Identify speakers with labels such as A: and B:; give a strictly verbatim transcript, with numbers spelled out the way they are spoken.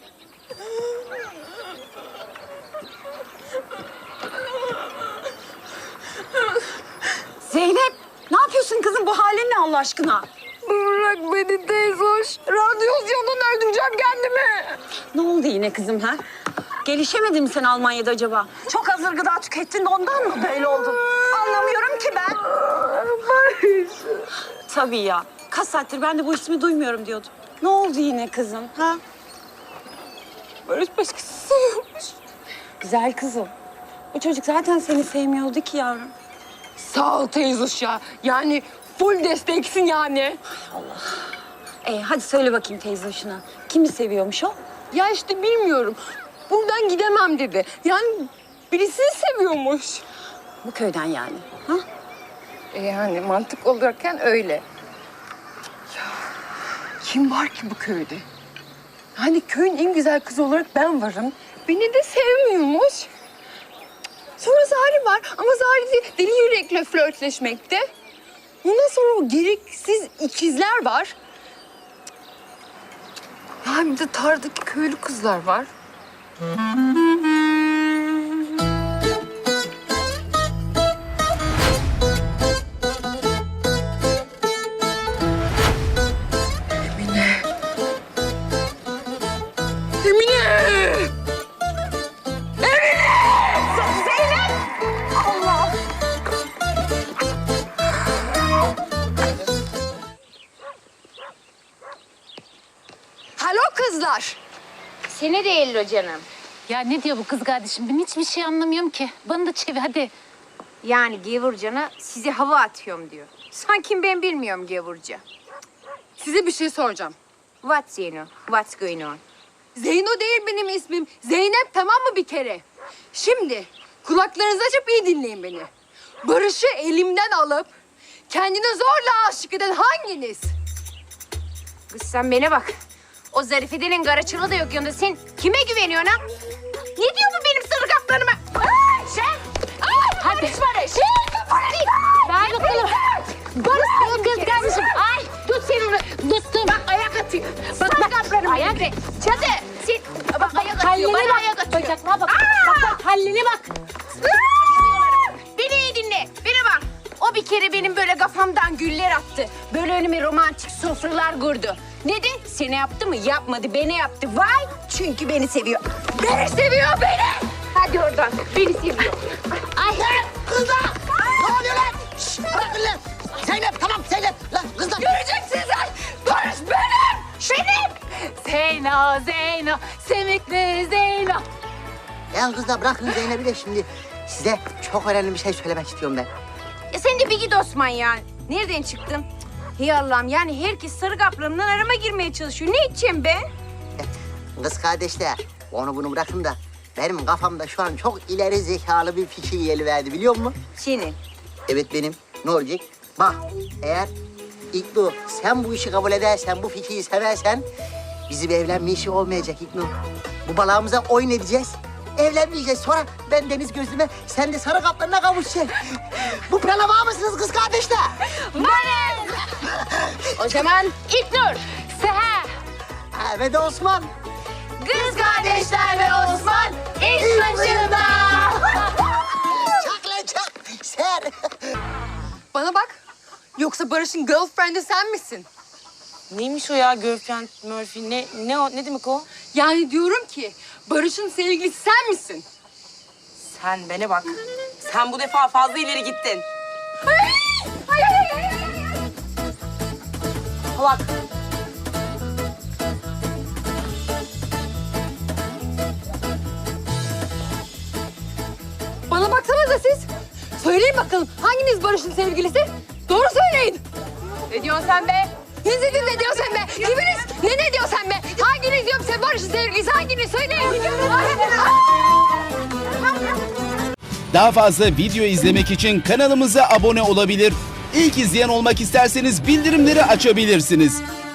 A: Zeynep, ne yapıyorsun kızım? Bu halin ne Allah aşkına?
B: Bırak beni teyzoş. Radyasyondan öldüreceğim kendimi.
A: Ne oldu yine kızım ha? Gelişemedin mi sen Almanya'da acaba? Çok hazır gıda tükettin de ondan mı böyle oldun? Anlamıyorum ki ben.
B: Barış.
A: Tabii ya. Kaç saattir ben de bu ismi duymuyorum diyordum. Ne oldu yine kızım ha?
B: Barış başkası seviyormuş.
A: Güzel kızım. Bu çocuk zaten seni sevmiyordu ki yavrum.
B: Sağ ol teyzoş ya. Yani full desteksin yani.
A: Ee, hadi söyle bakayım teyze hoşuna. Kimi seviyormuş o?
B: Ya işte bilmiyorum. Buradan gidemem dedi. Yani birisini seviyormuş.
A: Bu köyden yani. Ha?
B: E yani mantık olarakken öyle. Ya kim var ki bu köyde? Hani köyün en güzel kızı olarak ben varım. Beni de sevmiyormuş. Sonra Zahri var ama Zahri de deli yürekle flörtleşmekte. Ondan sonra o gereksiz ikizler var. Ya bir de tardaki köylü kızlar var. Emine. Emine!
A: Zeynep! Allah!
B: Alo kızlar.
C: Seni de ello canım.
D: Ya ne diyor bu kız kardeşim? Ben hiçbir şey anlamıyorum ki. Bana da çevir hadi.
C: Yani gevurcana size hava atıyorum diyor. Sanki ben bilmiyorum gevurca.
B: Size bir şey soracağım.
C: What's Zeyno? What's going on?
B: Zeyno değil benim ismim. Zeynep, tamam mı bir kere? Şimdi kulaklarınızı açıp iyi dinleyin beni. Barış'ı elimden alıp kendine zorla aşık eden hanginiz?
C: Kız sen bana bak. O Zarife'denin garaçılı da yok yanında. Sen kime güveniyorsun ha? Ne diyor bu benim sarı kaplarıma? Ay, sen! Ay, hadi. Barış Barış! Barış!
D: Ver bakalım. Barış benim kız kardeşim. Ay tut sen onu. Tuttum.
C: Bak ayak atıyor. Bak sarı kaplarıma.
D: Ayak.
C: Çatı! Sen, bak ayak atıyor.
D: Halline
C: Bana
D: bak.
C: ayak atıyor.
D: Bacaklığa bak. Bak bak halline bak.
C: Beni iyi dinle. Bana bak. O bir kere benim böyle kafamdan güller attı. Böyle önüme romantik sofralar kurdu. Ne de seni yaptı mı? Yapmadı. Beni yaptı. Vay! Çünkü beni seviyor. Beni seviyor beni. Hadi oradan. Beni seviyor.
D: Ay.
E: Kızlar! Ne oluyor lan? Şşş! Bırakın lan! Zeynep tamam Zeynep! Lan kızlar!
B: Göreceksiniz lan! Barış benim! Benim!
D: Zeyno, Zeyno, Semikli Zeyno.
E: Ya kızlar bırakın Zeynep'i de şimdi size çok önemli bir şey söylemek istiyorum ben.
C: Ya sen de bir git Osman ya. Nereden çıktın? Hey Allah'ım yani herkes sarı kaplarımdan arama girmeye çalışıyor. Ne içeceğim ben?
E: Kız kardeşler onu bunu bırakın da benim kafamda şu an çok ileri zekalı bir fikir geliverdi biliyor musun?
C: Senin.
E: Evet benim. Ne olacak? Bak eğer İknur sen bu işi kabul edersen, bu fikri seversen bizim evlenme işi olmayacak İknur. Bu balağımıza oyun edeceğiz. Evlenmeyeceğiz. Sonra ben deniz gözlüme, sen de sarı kaplarına kavuşacaksın. Bu plana var mısınız kız kardeşler?
C: Varız. O zaman İlknur.
D: Seher.
E: Ha, ve de Osman.
C: Kız kardeşler ve Osman iş başında.
E: Çak lan çak. Ser.
B: Bana bak. Yoksa Barış'ın girlfriend'i sen misin?
F: Neymiş o ya girlfriend, Murphy? Ne, ne, o, ne demek o?
B: Yani diyorum ki Barış'ın sevgilisi sen misin?
F: Sen bana bak. Sen bu defa fazla ileri gittin. Bak.
B: Bana baksanıza siz. Söyleyin bakalım hanginiz Barış'ın sevgilisi? Doğru söyleyin. Ne diyorsun sen be? Ne dedin ne diyorsun sen be? Kiminiz? Ne ne diyorsun sen be? Hanginiz diyorum sen Barış'ın sevgilisi? Hanginiz? Söyleyin.
G: Daha fazla video izlemek için kanalımıza abone olabilir. İlk izleyen olmak isterseniz bildirimleri açabilirsiniz.